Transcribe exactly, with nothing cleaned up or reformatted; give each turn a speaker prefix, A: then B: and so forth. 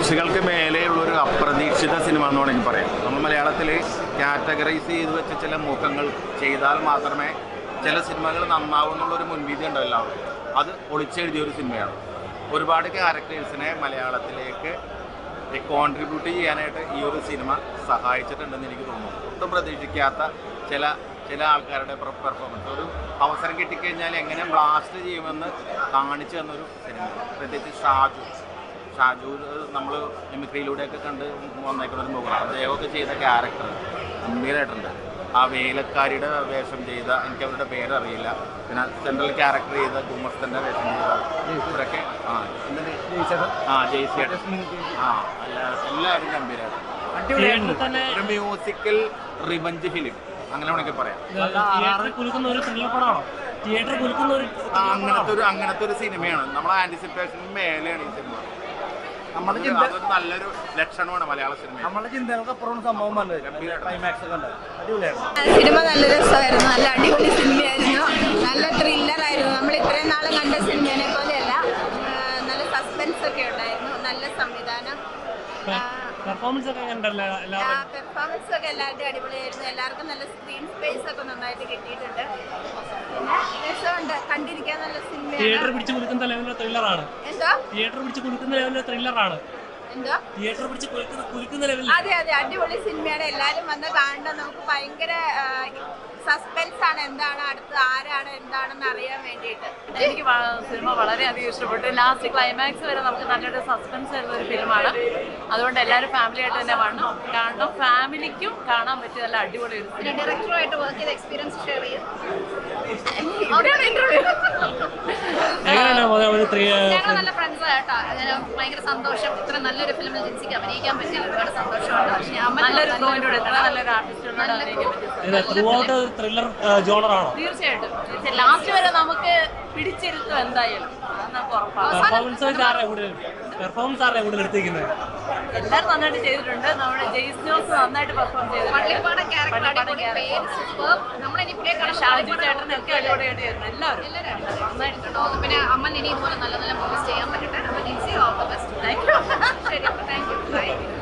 A: പ്രതീക്ഷകൾക്ക് മേലെയുള്ളൊരു അപ്രതീക്ഷിത സിനിമ എന്ന് വേണമെങ്കിൽ പറയാം. നമ്മൾ മലയാളത്തിൽ കാറ്റഗറൈസ് ചെയ്ത് വെച്ച ചില മുഖങ്ങൾ ചെയ്താൽ മാത്രമേ ചില സിനിമകൾ നന്നാവും എന്നുള്ളൊരു മുൻവിധി ഉണ്ടോ എല്ലാവർക്കും. അത് ഒളിച്ചെഴുതിയൊരു സിനിമയാണ്. ഒരുപാട് ക്യാരക്ടേഴ്സിനെ മലയാളത്തിലേക്ക് കോൺട്രിബ്യൂട്ട് ചെയ്യാനായിട്ട് ഈ ഒരു സിനിമ സഹായിച്ചിട്ടുണ്ടെന്ന് എനിക്ക് തോന്നുന്നു. ഒട്ടും പ്രതീക്ഷിക്കാത്ത ചില ചില ആൾക്കാരുടെ പെർഫോമൻസ്, ഒരു അവസരം കിട്ടിക്കഴിഞ്ഞാൽ എങ്ങനെ ബ്ലാസ്റ്റ് ചെയ്യുമെന്ന് കാണിച്ചു തന്നൊരു സിനിമ. പ്രത്യേകിച്ച് ഷാജു ഷാജു നമ്മൾ മിമിക്രിയിലൂടെയൊക്കെ കണ്ട് വന്നേക്കുന്ന ഒരു മുഖമാണ്. അദ്ദേഹമൊക്കെ ചെയ്ത ക്യാരക്ടർ ഗംഭീരമായിട്ടുണ്ട്. ആ വേലക്കാരിയുടെ വേഷം ചെയ്ത, എനിക്ക് അവരുടെ പേരറിയില്ല, പിന്നെ സെൻട്രൽ ക്യാരക്ടർ ചെയ്ത ഗുമസ്തൻ്റെ വേഷം ചെയ്ത ഇവരൊക്കെ ആ എന്തിന് ആ ജയ്സേട്ടൻ ആ അല്ല എല്ലാവരും ഗംഭീരമായിട്ട് ഒരു മ്യൂസിക്കൽ റിവഞ്ച് ഫിലിം അങ്ങനെ വേണമെങ്കിൽ പറയാം. അങ്ങനത്തെ ഒരു അങ്ങനത്തെ ഒരു സിനിമയാണ്. നമ്മളെ ആന്റിസിപ്പേഷന് മേലെയാണ് ഈ സിനിമ. അതൊരു നല്ലൊരു ലക്ഷണമാണ് മലയാള സിനിമ.
B: നമ്മളെ ചിന്തകൾക്കപ്പുറം സംഭവം
C: സിനിമ നല്ല രസമായിരുന്നു, നല്ല അടിപൊളി സിനിമയായിരുന്നു, നല്ല ത്രില്ലറായിരുന്നു. നമ്മൾ ഇത്രയും നാളും കണ്ട സിനിമയെ പോലെയല്ല, നല്ല സസ്പെൻസ് ഒക്കെ ഉണ്ടായിരുന്നു, നല്ല സംവിധാനം,
B: പെർഫോമൻസ് ഒക്കെ
C: പെർഫോമൻസ് ഒക്കെ എല്ലാവരുടെയും അടിപൊളിയായിരുന്നു. എല്ലാവർക്കും നല്ല സ്ക്രീൻ സ്പേസ് ഒക്കെ നന്നായിട്ട് കിട്ടിയിട്ടുണ്ട്. പിന്നെ രസമുണ്ട്, കണ്ടിരിക്കാൻ നല്ല സിനിമയാണ്.
B: തിയേറ്റർ പിടിച്ച് കുലുക്കുന്ന ലെവലിലെ ത്രില്ലറാണ്.
C: എന്തോ
B: തിയേറ്റർ പിടിച്ച് കുലുക്കുന്ന ലെവലിലെ ത്രില്ലറാണ്.
C: എന്തോ
B: തിയേറ്റർ പിടിച്ച് കുലുക്കുന്ന ലെവലിൽ.
C: അതെ അതെ അടിപൊളി സിനിമയാണ്. എല്ലാവരും വന്ന് കാണണം. നമുക്ക് ഭയങ്കര സസ്പെൻസ് ആണ്, എന്താണ് അടുത്ത് ആരാണ് എന്താണെന്ന് അറിയാൻ വേണ്ടിയിട്ട്.
D: എനിക്ക് സിനിമ വളരെയധികം ഇഷ്ടപ്പെട്ടു. ലാസ്റ്റ് ക്ലൈമാക്സ് വരെ നമുക്ക് നല്ലൊരു സസ്പെൻസ് വരുന്ന ഒരു ഫിലിമാണ്. അതുകൊണ്ട് എല്ലാവരും ഫാമിലി ആയിട്ട് തന്നെ വരണം, കാരണം ഫാമിലിക്കും കാണാൻ പറ്റിയ നല്ല അടിപൊളി ഒരു
C: പിന്നെ ഡയറക്ടറുമായിട്ട് വർക്ക് ചെയ്ത എക്സ്പീരിയൻസ് ഷെയർ ചെയ്യും.
D: ഞങ്ങൾ നല്ല ഫ്രണ്ട്സ് കേട്ടോ. അങ്ങനെ ഭയങ്കര സന്തോഷം. ഇത്ര നല്ലൊരു ഫിലിമിൽ ജിൻസിക്ക് അഭിനയിക്കാൻ പറ്റിയ ഒരുപാട് സന്തോഷമുണ്ട്. നല്ലൊരു ഫ്ലോയിലൂടെ നല്ലൊരു ആർട്ടിസ്റ്റിനോട് അഭിനയിക്കാൻ പറ്റും. തീർച്ചയായിട്ടും ലാസ്റ്റ് വരെ നമുക്ക് പിടിച്ചിരുത്തും എന്തായാലും. എല്ലാവരും നന്നായിട്ട് ചെയ്തിട്ടുണ്ട്. നമ്മുടെ ജെയ്സ് ജോസ് നന്നായിട്ട് പെർഫോം ചെയ്തിട്ടുണ്ട്. ഷാജു ചേട്ടനൊക്കെ അടിപൊളിയായിട്ട് ചെയ്തിട്ടുണ്ട്. എല്ലാവരും നന്നായിട്ടുണ്ടോ.
C: പിന്നെ അമ്മ ഇനി ഇതുപോലെ നല്ല നല്ല മൂവീസ് ചെയ്യാൻ പറ്റട്ടെ. അപ്പൊ Jincy all the best. Thank you. ശരി, താങ്ക് യു.